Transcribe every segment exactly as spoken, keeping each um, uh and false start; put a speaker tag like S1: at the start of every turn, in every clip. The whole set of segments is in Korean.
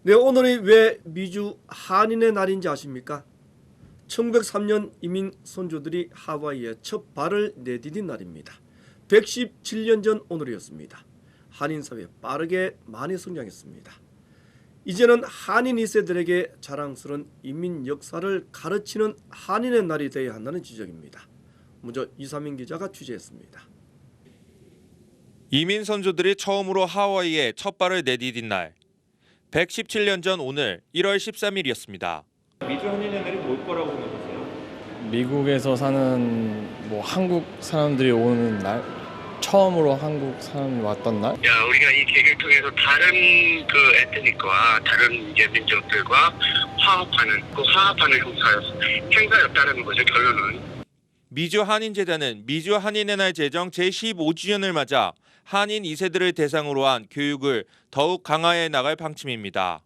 S1: 네, 오늘이 왜 미주 한인의 날인지 아십니까? 천구백삼 년 이민 선조들이 하와이에 첫 발을 내디딘 날입니다. 백십칠 년 전 오늘이었습니다. 한인 사회 빠르게 많이 성장했습니다. 이제는 한인 이 세들에게 자랑스러운 이민 역사를 가르치는 한인의 날이 되어야 한다는 지적입니다. 먼저 이삼인 기자가 취재했습니다.
S2: 이민 선조들이 처음으로 하와이에 첫 발을 내디딘 날, 백십칠 년 전 오늘 일월 십삼일이었습니다. 미주 한인의 날이 뭘 거라고 생각하세요?
S3: 미국에서 사는 뭐 한국 사람들이 오는 날, 처음으로 한국 사람이 왔던 날.
S4: 야, 우리가 이 계기를 통해서 다른 그 에트닉과 다른 이제 민족들과 화합하는 그 화합하는 행사였, 행사였다는 거죠. 결론은.
S2: 미주 한인재단은 미주 한인의 날 제정 제십오 주년을 맞아 한인 이 세들을 대상으로 한 교육을 더욱 강화해 나갈 방침입니다.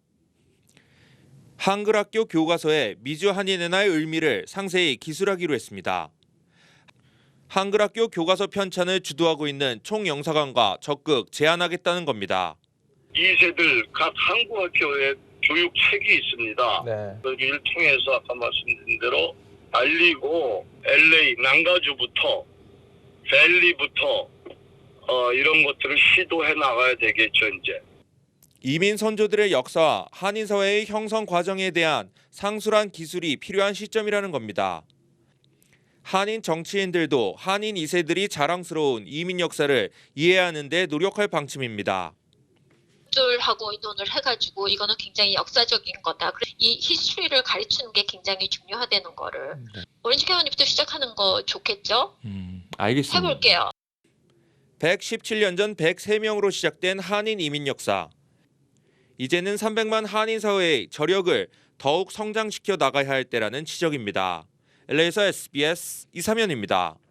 S2: 한글학교 교과서에 미주 한인의 날 의미를 상세히 기술하기로 했습니다. 한글학교 교과서 편찬을 주도하고 있는 총영사관과 적극 제안하겠다는 겁니다.
S4: 이 세들 각 한국학교에 교육책이 있습니다.
S3: 네.
S4: 여기를 통해서 아까 말씀드린 대로 알리고 엘에이 난가주부터 밸리부터 어, 이런 것들을 시도해 나가야 되겠죠. 이제.
S2: 이민 선조들의 역사와 한인 사회의 형성 과정에 대한 상술한 기술이 필요한 시점이라는 겁니다. 한인 정치인들도 한인 이 세들이 자랑스러운 이민 역사를 이해하는 데 노력할 방침입니다.
S5: 하고 의논을 해가지고 이거는 굉장히 역사적인 거다. 이 히스토리를 가르치는 게 굉장히 중요하다는 거를
S2: 네.
S5: 오렌지 캐머니부터 시작하는 거 좋겠죠?
S2: 음, 알겠습니다.
S5: 해볼게요.
S2: 백십칠 년 전 백삼 명으로 시작된 한인 이민 역사. 이제는 삼백만 한인 사회의 저력을 더욱 성장시켜 나가야 할 때라는 지적입니다. 엘에이에서 에스비에스 이삼현입니다.